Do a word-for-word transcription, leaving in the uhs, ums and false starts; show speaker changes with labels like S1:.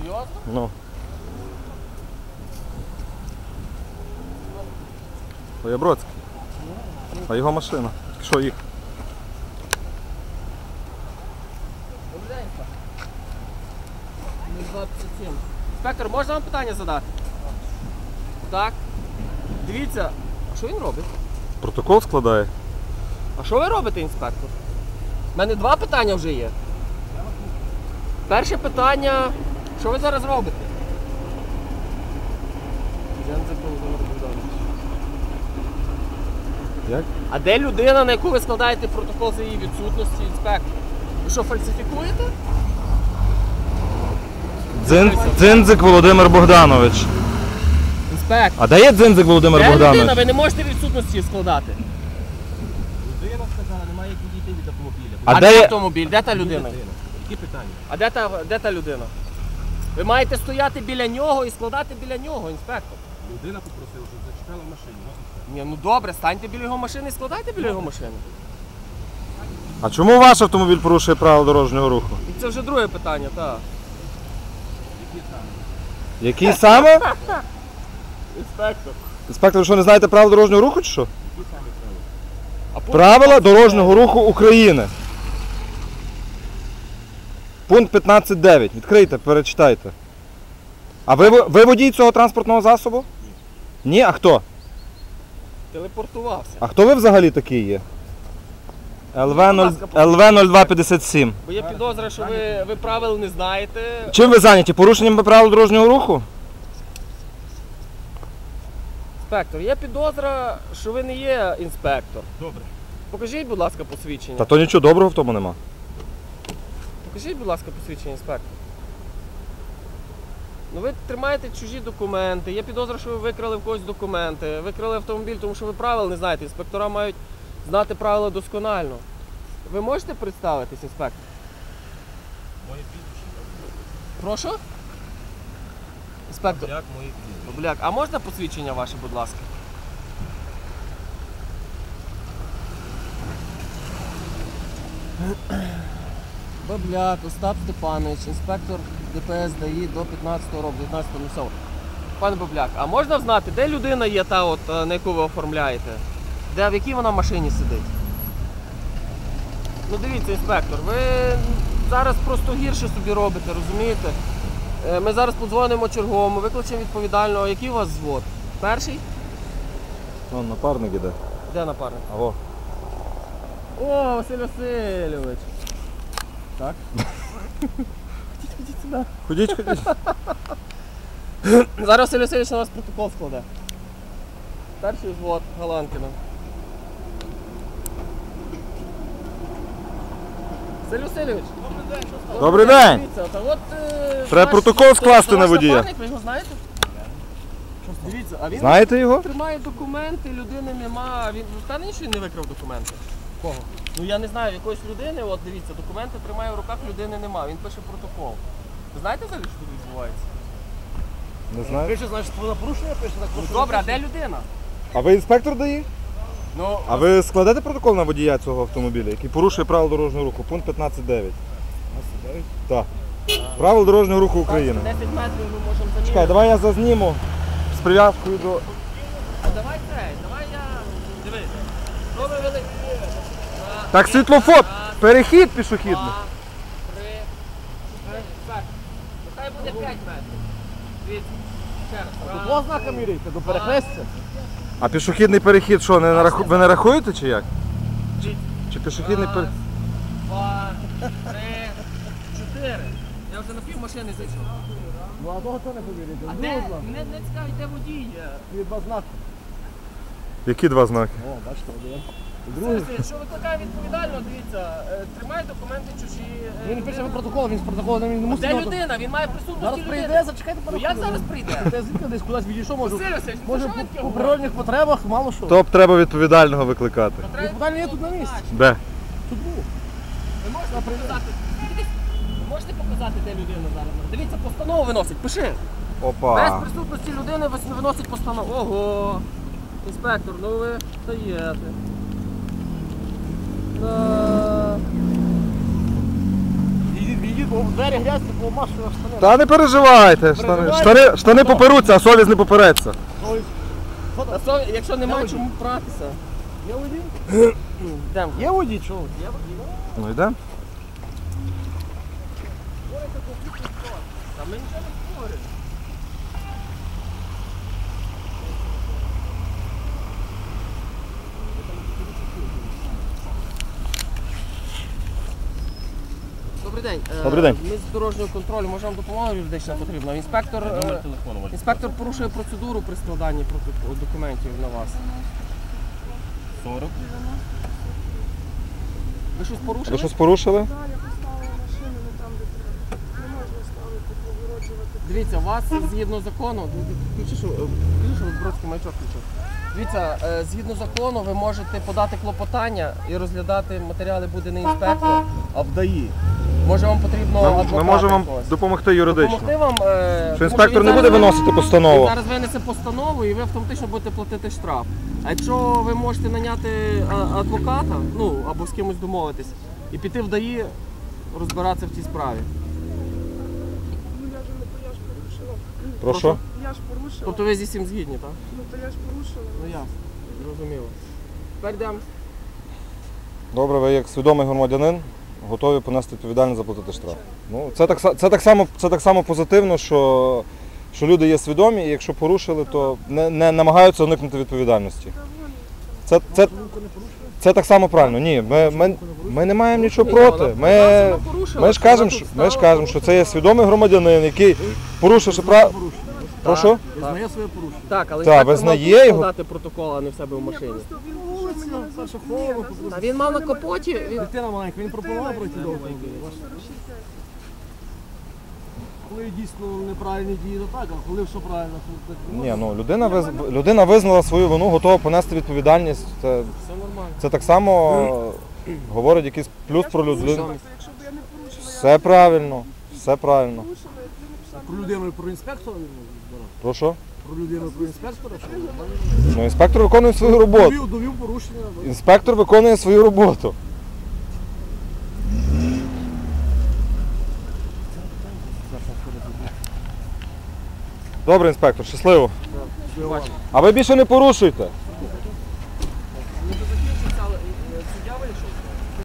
S1: Серйозно?
S2: Ну. Боябродський. А його машина. Що їх?
S1: Добрий день, двадцять сім. Інспектор, можна вам питання задати? Так. Дивіться, а що він робить?
S2: Протокол складає.
S1: А що ви робите, інспектор? У мене два питання вже є. Перше питання, що ви зараз робите?
S2: Як?
S1: А де людина, на яку ви складаєте протокол за її відсутності, інспектор? Ви що, фальсифікуєте?
S2: Дзин... Дзиндзик Володимир Богданович.
S1: Інспектор.
S2: А де є Дзиндзик Володимир
S1: Де
S2: Богданович?
S1: людина? Ви не можете відсутності складати. Людина сказала, немає як відійти від автомобіля.
S2: А
S1: А,
S2: де
S1: де
S2: є-
S1: автомобіль? Де та людина?
S3: Які питання?
S1: А де та, де та людина? Ви маєте стояти біля нього і складати біля нього, інспектор.
S3: Людина попросила, щоб зачекала в машині.
S1: Ні, ну добре, станьте біля його машини і складайте біля його машини.
S2: А чому ваш автомобіль порушує правила дорожнього руху?
S1: І це вже друге питання, так.
S2: Який саме?
S1: Інспектор.
S2: Інспектор, ви що, не знаєте правил дорожнього руху чи що?
S1: А пункт
S2: Правила дорожнього руху України. Пункт п'ятнадцять дев'ять. Відкрийте, перечитайте. А ви, ви водій цього транспортного засобу? Ні. Ні? А хто?
S1: телепортувався.
S2: А хто ви взагалі такий є? ЛВ нуль два п'ятдесят сім.
S1: Бо є підозра, що ви, ви правил не знаєте.
S2: Чим ви зайняті? Порушенням правил дорожнього руху?
S1: Інспектор, є підозра, що ви не є інспектор.
S3: Добре.
S1: Покажіть, будь ласка, посвідчення.
S2: Та то нічого доброго в тому нема.
S1: Покажіть, будь ласка, посвідчення, інспектор. Ну ви тримаєте чужі документи. Є підозра, що ви викрали в когось документи. Викрали автомобіль, тому що ви правил не знаєте. Інспектора мають знати правила досконально. Ви можете представитись, інспектор?
S3: Моє прізвище.
S1: Прошу? Інспектор.
S3: Як моє прізвище?
S1: Бабляк, а можна посвідчення ваше, будь ласка? Бабляк Остап Степанович, інспектор ДПС ДАІ до п'ятнадцятого року, дев'ятнадцятого місцевого. Пане Бабляк, а можна знати, де людина є та, от, на яку ви оформляєте? Де, в якій вона машині сидить? Ну дивіться, інспектор, ви зараз просто гірше собі робите, розумієте? Е, Ми зараз подзвонимо черговому, викличемо відповідального. Який у вас звод? Перший?
S2: Вон напарник іде.
S1: Де напарник?
S2: Аго.
S1: О, Василь Васильович. Так? Ходіть, ходіть сюди.
S2: Ходіть, ходіть.
S1: Зараз Василь Васильович на вас протокол складе. Перший звод Галанкіна. Василь Васильович. Добрий день, що стало?
S2: Добрий день.
S1: Дивіться, та от, е,
S2: Треба
S1: ваш-
S2: протокол
S1: це-
S2: скласти
S1: це
S2: на
S1: ваш
S2: водія.
S1: напарник, ви його знаєте? Дивіться, а він
S2: Знаєте його?
S1: тримає документи, людини нема. Він впевнений, що він не викрав документи? Кого? Ну я не знаю, якоїсь людини, от дивіться, документи тримає в руках, людини нема. Він пише протокол. Ви знаєте взагалі, що тут відбувається?
S2: Не знаю.
S3: Пише, значить, про порушення пише, так
S1: Ну
S3: просто.
S1: добре, а де людина?
S2: А ви інспектор ДАІ?
S1: Ну,
S2: А ви складете протокол на водія цього автомобіля, який порушує правила дорожнього руху? Пункт п'ятнадцять дев'ять. Так. Правила дорожнього руху України.
S1: десять метрів ми можемо заміряти.
S2: Чекай, давай я зазніму з прив'язкою до...
S1: А давай цей, давай я... Дивись. Що ви вели? Раз,
S2: Так, світлофор! Перехід пішохідний.
S1: два, три, чотири. Так. Нехай буде п'ять метрів. Дивіться. Ще раз. Раз,
S3: Два знака міряйте, до перехрестя.
S2: А пішохідний перехід що, не нараху... ви не рахуєте чи як?
S1: Дивіться.
S2: Чи пішохідний
S1: Раз,
S2: перехід?
S1: два, три, чотири. Я вже на пів машини зайшов.
S3: Ну а того не поміряйте.
S1: А де? Мене не цікавить, де водій є.
S3: Є два знаки.
S2: Які два знаки?
S3: О, бачите, один.
S1: Слухайте, що викликає відповідально, дивіться, е, тримає документи чужі. е,
S3: Він пише
S1: людина-
S3: протокол, він з протоколом він не
S1: А
S3: мусить.
S1: Де
S3: його-
S1: людина? Він має присутності
S3: Зараз
S1: людини.
S3: прийде, зачекайте
S1: Ну
S3: пару
S1: як
S3: хвилин.
S1: зараз прийде?
S3: Де звідки десь кудись відійшов, може.
S1: Василь Васильович, ну
S3: Може
S1: що ви таке
S3: по
S1: говорите?
S3: природних потребах, мало що.
S2: Топ треба відповідального викликати.
S1: Треба
S3: Відповідальний є тут на місці.
S2: Де?
S3: Тут був.
S1: Ви можете показати, ви можете показати, де людина зараз? Дивіться, постанову виносить, пиши. Без
S2: Опа.
S1: присутності людини вис- виносить постанову. Ого! Інспектор, ну ви даєте. Да.
S3: Відійдіть, відійдіть Ходіть, бо двері грязні, бо машу на штани.
S2: Та не переживайте, штани, штани, штани поперуться, а совість не попереться.
S3: Ой, що
S1: А
S3: там?
S1: що, якщо немає
S3: Я
S1: чому пратися?
S3: Є водій?
S1: Йдемо.
S3: Є водій, чого?
S1: Є водій?
S2: Ну йдемо.
S1: Та ми нічого не говоримо. Добрий день. Е,
S2: Добрий день.
S1: Ми з дорожнього контролю можемо допомогу юридична потрібна. Інспектор, е, інспектор порушує процедуру при складанні проти- документів на вас.
S4: сорок.
S1: Ви щось порушили?
S2: Ви щось порушили?
S5: Далі поставили машину не там, де треба. Не можна ставити, погороджувати.
S1: Дивіться, у вас згідно закону, включи, що, е, включи, що Бродський маячок включив. Дивіться, е, згідно закону ви можете подати клопотання і розглядати матеріали буде не інспектор, а в ДАІ. Може вам потрібно
S2: Ми,
S1: адвоката
S2: ми можемо вам
S1: якогось?
S2: допомогти юридично.
S1: Допомогти вам, е,
S2: Що
S1: тому
S2: інспектор
S1: він
S2: не буде
S1: зараз-
S2: виносити постанову.
S1: Він зараз винесе постанову і ви автоматично будете платити штраф. А якщо ви можете наняти а, адвоката, ну або з кимось домовитись, і піти в ДАІ розбиратися в цій справі.
S5: Ну я ж не я ж порушила.
S2: Прошу.
S5: Я ж порушила.
S1: Тобто ви зі всім згідні, так?
S5: Ну то я ж порушила.
S1: Ну ясно, зрозуміло. Тепер йдемо.
S2: Добре, ви як свідомий громадянин готові понести відповідальність заплатити штраф. Ну, це так, са- це так само, це так само позитивно, що, що люди є свідомі, і якщо порушили, то не, не намагаються уникнути відповідальності.
S5: Та вон.
S2: Це, це, це так само правильно. Ні, ми, ми, ми не маємо нічого
S1: Ні,
S2: проти.
S1: вона-
S2: Ми,
S1: вона порушила,
S2: ми, ж
S1: що
S2: кажемо,
S1: вона
S2: що,
S1: тут
S2: ми ж
S1: стала.
S2: кажемо, що це є свідомий громадянин, який порушивши право. Прошу?
S3: Визнає своє порушення.
S1: Так, але
S2: Так,
S1: інспектор
S2: визнає
S1: мав тут
S2: його.
S1: складати протокол, а не в себе в машині.
S5: Просто він
S3: Вулиця,
S5: що мені
S3: перша
S5: не
S3: колона,
S5: розуміє,
S1: А він мав на капоті. Він...
S3: Дитина маленька, він пропонував пройти до автомобіля. Коли дійсно неправильні дії, то так, а коли все правильно, то так не
S2: Ні,
S3: можна.
S2: ну людина, виз... людина визнала свою вину, готова понести відповідальність. Це,
S1: Все нормально.
S2: це так само говорить якийсь плюс про людину.
S5: Якщо б я не порушила, я
S2: Все правильно, все правильно.
S5: порушила, якби написала.
S3: Про людину і про інспектора він збирав.
S2: Прошу?
S3: Про людину і про інспектора, що він
S2: Ну, інспектор виконує свою роботу.
S3: довів, довів порушення.
S2: Інспектор виконує свою роботу. Добре, інспектор, щасливо.
S1: Бачимо.
S2: А ви більше не порушуйте.